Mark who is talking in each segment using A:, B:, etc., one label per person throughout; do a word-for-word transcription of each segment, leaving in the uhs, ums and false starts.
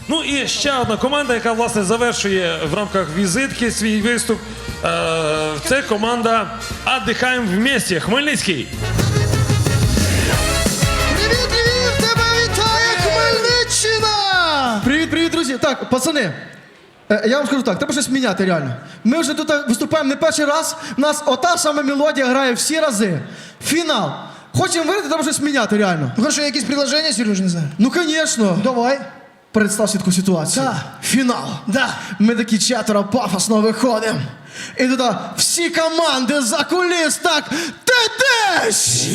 A: Ну і ще одна команда, яка, власне, завершує в рамках візитки свій виступ. Е, це команда «Отдыхаем вместе» Хмельницький.
B: Привіт, Львів! Тебе вітає Хмельниччина!
C: Привіт, привіт, друзі. Так, пацани, е, я вам скажу так, треба щось міняти реально. Ми вже тут виступаємо не перший раз, у нас ота сама мелодія грає всі рази. Фінал. Хочемо виграти, треба щось міняти реально.
B: Ну хорошо, якісь предложення, Сереж, не знаю?
C: Ну, звісно.
B: Давай.
C: Представ таку ситуацію.
B: Да.
C: Фінал.
B: Да.
C: Ми такі четверо пафосно виходимо. І туди всі команди за куліс так ти-тиш!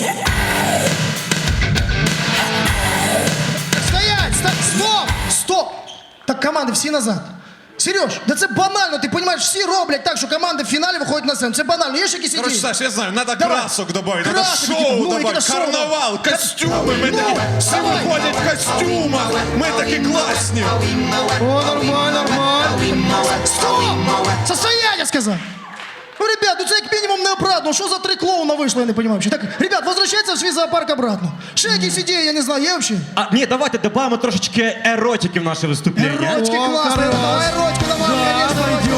B: Стоять! Стоп! Стоп! Стоп! Так команди всі назад. Сереж, да це банально, ти розумієш, всі роблять так, що команди в фіналі виходять на сцену. Це банально, є ж якісь
D: Короче,
B: ідеї?
D: Саш, я знаю, надо
B: Давай.
D: красок добавить, надо
B: Красок,
D: шоу
B: ну,
D: добавить,
B: який-то шоу,
D: карнавал,
B: да.
D: костюми, ми
B: Ну,
D: такі, всі
B: давай.
D: виходять в костюмах, ми такі класні.
C: О, нормально, нормально.
B: Стоп! Состояние сказав! Ну, ребят, ну це як мінімум неоправдано. Що за три клоуна вийшло, я не розумію. Так, ребят, возвращайтесь в свій зоопарк обратно. Ще якісь ідеї, я не знаю, є взагалі?
E: А, ні, давайте додамо трошечки еротики в наше виступлення.
B: Еротики
C: О,
B: класно,
C: хорош.
B: давай еротику, давай,
C: Да,
B: конечно,
C: пойдет.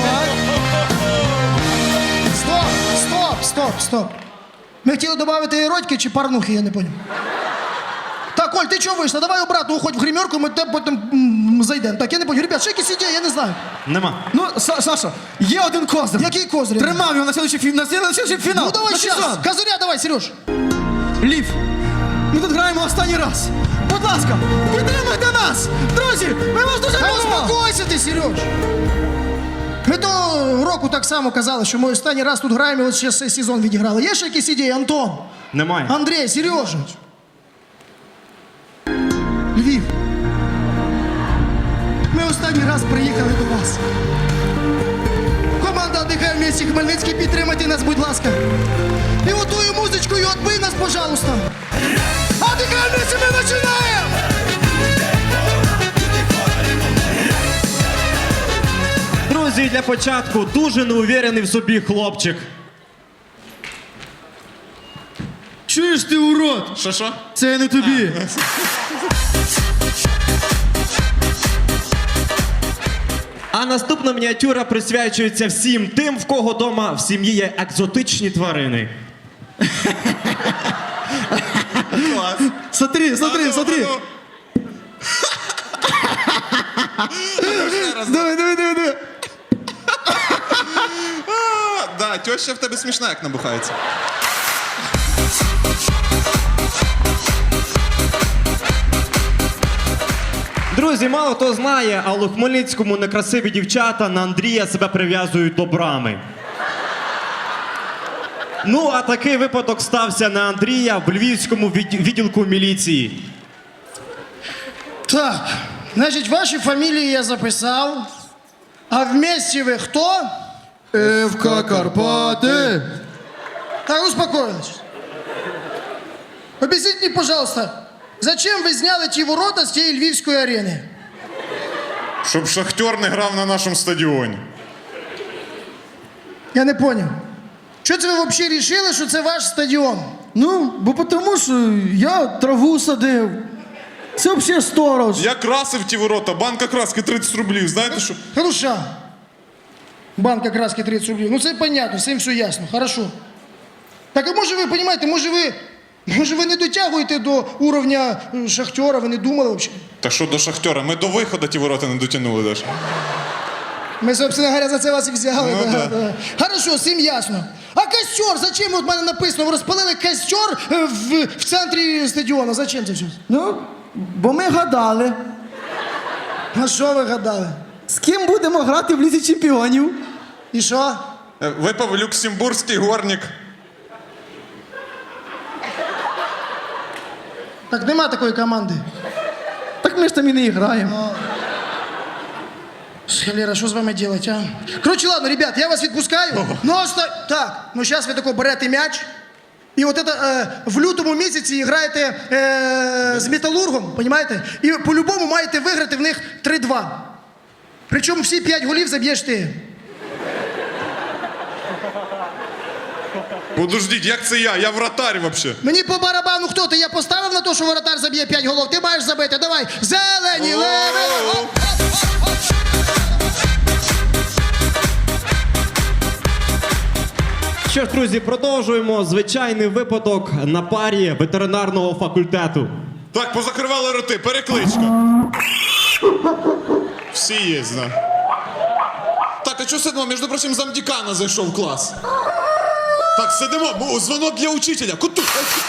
B: Стоп, стоп, стоп, стоп. Ми хотіли додати еротики чи парнухи, я не понял. Так, Оль, ти чого вийшла? Давай обратно уходь в гримерку, ми тебе потім м, зайдемо. Так, я не понял. Ребят, ще якісь ідеї, я не знаю.
E: Нема.
C: Ну, Са- Саша, є один козир.
B: Який козир?
C: Тримав його на слідчий фі- на слідчий фінал.
B: Ну давай
C: на
B: сейчас.
C: сезон.
B: Козыря давай, Сереж.
C: Лів, ми тут граємо останній раз. Будь ласка, підтримайте нас! Друзі, ми вас дуже
B: Та
C: любимо!
B: успокойся ти, Сереж. Ми того року так само казали, що ми останній раз тут граємо, і от ще цей сезон відіграли. Є ще якісь ідеї, Антон?
E: Немає.
B: Андрій, Сережа. Львів. Ми останній раз приїхали до вас. Команда «Отдыхаем вместе» Хмельницький, підтримайте нас, будь ласка. І отою музичкою отбий нас, пожалуйста. «Отдыхаем вместе» ми починаємо!
E: Друзі, для початку дуже неуверений в собі хлопчик.
C: Чуєш ти, урод?
D: Що, що?
C: Це не тобі.
E: А наступна мініатюра присвячується всім тим, в кого дома в сім'ї є екзотичні тварини.
D: Клас.
C: Смотри, смотри, смотри. Давай, давай, давай, давай.
D: Да, теща в тебе смішна, як набухається.
E: Друзі, мало хто знає, але у Хмельницькому некрасиві дівчата на Андрія себе прив'язують до брами. Ну, а такий випадок стався на Андрія в Львівському відд- відділку міліції.
B: Так, значить, ваші фамілії я записав. А вместе ви хто?
C: ФК Карпати.
B: Так, успокоились. Объясните мне, пожалуйста, зачем ви зняли ті ворота з тієї львівської арени?
D: Щоб Шахтер не грав на нашому стадіоні.
B: Я не понял. Що це ви взагалі рішили, що це ваш стадіон?
C: Ну, бо тому що я траву садив. Це взагалі сторож.
D: Я красив ті ворота, банка краски тридцять рублів, знаєте що?
B: Хороша. Банка краски тридцять рублів. Ну це понятно, з цим все ясно. Хорошо. Так а може ви, розумієте, може ви, може ви не дотягуєте до уровня е, Шахтера, ви не думали взагалі?
D: Та що до Шахтера? Ми до виходу ті ворота не дотягнули даже.
B: Ми, собственно говоря, за це вас і взяли.
D: Ну,
B: да,
D: да.
B: да. Хорошо, всім ясно. А костер, зачем, от в мене написано, ви розпалили костер е, в, в центрі стадіону, зачем це все?
C: Ну, бо ми гадали,
B: А що ви гадали?
C: з ким будемо грати в Лізі чемпіонів.
B: І що?
D: Е, Випав люксембурзький горник.
B: Так нема такої команди.
C: Так ми ж там і не граємо.
B: Лера, що з вами делать, а? Короче, ладно, ребят, я вас відпускаю. Ну, оста... Так, ну зараз ви тако берете м'яч. І от это, е, в лютому місяці граєте е, з Металургом, понімаєте? І по-любому маєте виграти в них три-два. Причому всі п'ять голів заб'єш ти.
D: Подождіть, як це я? Я вратарь вообще.
B: Мені по барабану хто ти? Я поставив на те, що воротар заб'є п'ять голов. Ти маєш забити. Давай. Зелені, леви. Оп, оп,
E: Що ж, друзі, продовжуємо звичайний випадок на парі ветеринарного факультету.
D: Так, позакривали роти, перекличка. Всі є, зна. Так, а чого сидимо? Між прочим, замдікана зайшов в клас. Так, сидимо, бо дзвонок для учителя. Куту.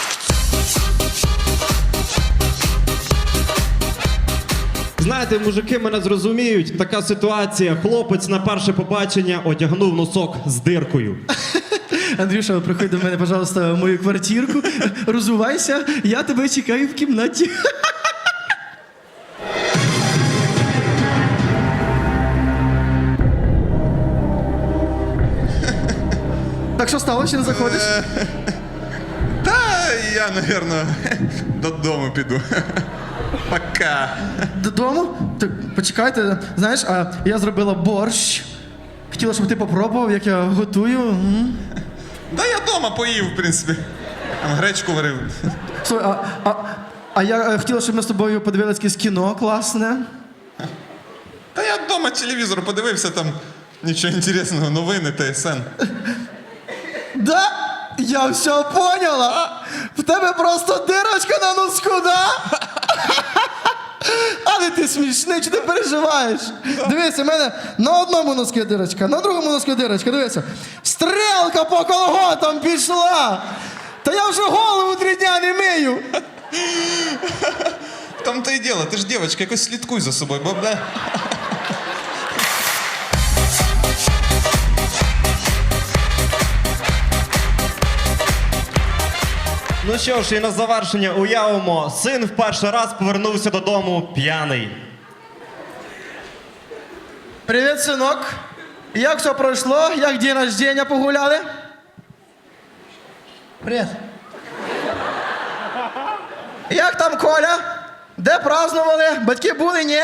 E: Знаєте, мужики мене зрозуміють, така ситуація. Хлопець на перше побачення одягнув носок з диркою.
C: Андрюша, приходь до мене, пожалуйста, в мою квартирку. Розувайся, я тебе чекаю в кімнаті. Так що стало, ще не заходиш?
D: Та я, напевно, додому піду. Пока.
C: Додому? Так, почекайте, знаєш, а я зробила борщ. Хотіла, щоб ти попробував, як я готую. М.
D: Да я вдома поїв, в принципі. Там гречку варив.
C: Слухай, а, а, а я е, хотіла, щоб ми з тобою подивилися якесь кіно класне.
D: Та я вдома телевізор подивився, там нічого інтересного, новини, ТСН.
C: Да? Я все поняла. В тебе просто дирочка на носку, да? Але ти смішний, чи ти переживаєш? Дивися, в мене на одному носку дирочка, на другому носку дирочка, дивися. Стрелка по колготам пішла. Та я вже голову три дня не мию.
D: В тому-то і діло, ти ж дівчинка, якось слідкуй за собою, бо да?
E: Ну що ж, і на завершення уявимо, син в перший раз повернувся додому п'яний.
C: Привіт, синок. Як все пройшло? Як день рождения погуляли?
B: Привет.
C: Як там Коля? Де празднували? Батьки були, ні?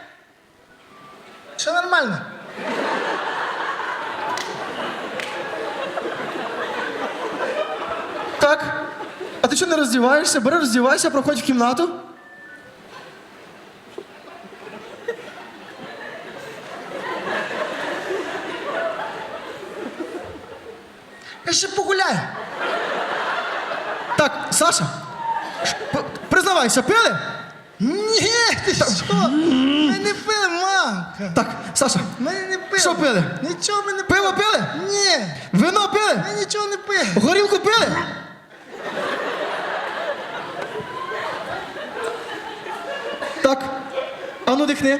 B: Все нормально.
C: Так. А ти що не роздіваєшся? Бери, роздівайся, проходь в кімнату.
B: Я ще погуляю.
C: Так, Саша, ш- п- признавайся, пили?
B: Ні, ти що? Ми не пили, мам.
C: Так, Саша,
B: Ми не пили.
C: Що пили?
B: Нічого ми не пили.
C: пиво пили?
B: Ні,
C: Вино пили?
B: ми нічого не пили.
C: Горілку пили? Так, а ну дихни.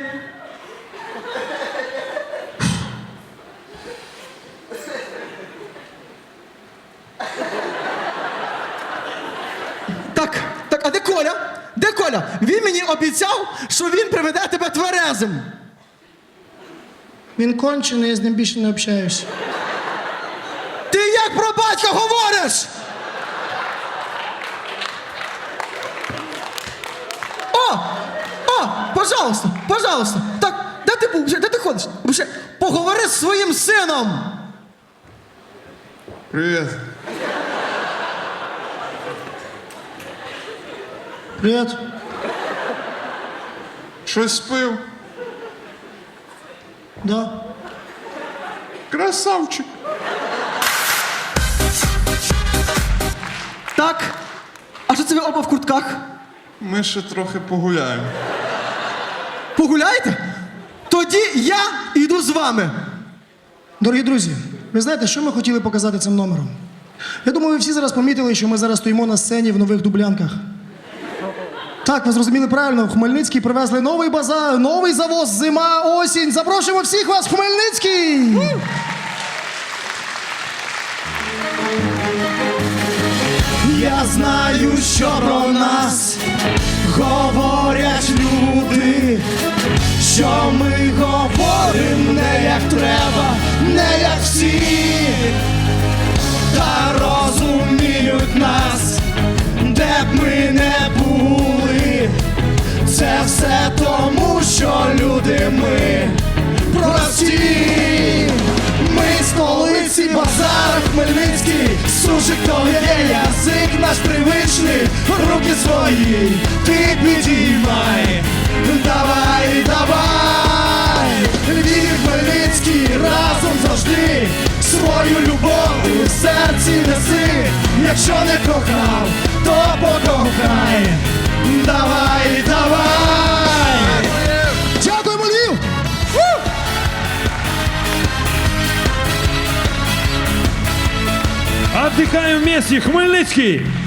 C: Так, так, а де Коля? Де Коля? Він мені обіцяв, що він приведе тебе тверезим.
B: Він кончений, я з ним більше не общаюсь.
C: Ти як про батька говориш? О! О! Пожалуйста, пожалуйста. Так, де ти був? Вже? Де ти ходиш? Вже поговори з своїм сином.
D: Привіт.
B: Привіт.
D: Щось пив?
B: Да.
D: Красавчик.
C: Так. А що це ви оба в куртках?
D: Ми ще трохи погуляємо.
C: Погуляєте? Тоді я йду з вами.
B: Дорогі друзі, ви знаєте, що ми хотіли показати цим номером? Я думаю, ви всі зараз помітили, що ми зараз стоїмо на сцені в нових дублянках. Так, ви зрозуміли правильно, в Хмельницький привезли новий базар, новий завоз, зима, осінь. Запрошуємо всіх вас в Хмельницький!
C: Я знаю, що про нас говорять люди, що ми говоримо не як треба, не як всі, та розуміють нас, де б ми не були. Це все тому, що люди ми прості. Ми столиці, базар Хмельницький, сушик то є язик наш привичний, руки свої ти підіймай, давай, давай, Львів, Хмельницький, разом завжди, свою любов у серці ці неси, якщо не кохав, то покохай. Давай, давай!
B: Дякуємо, Львів!
A: Отдыхаем вместе, Хмельницкий!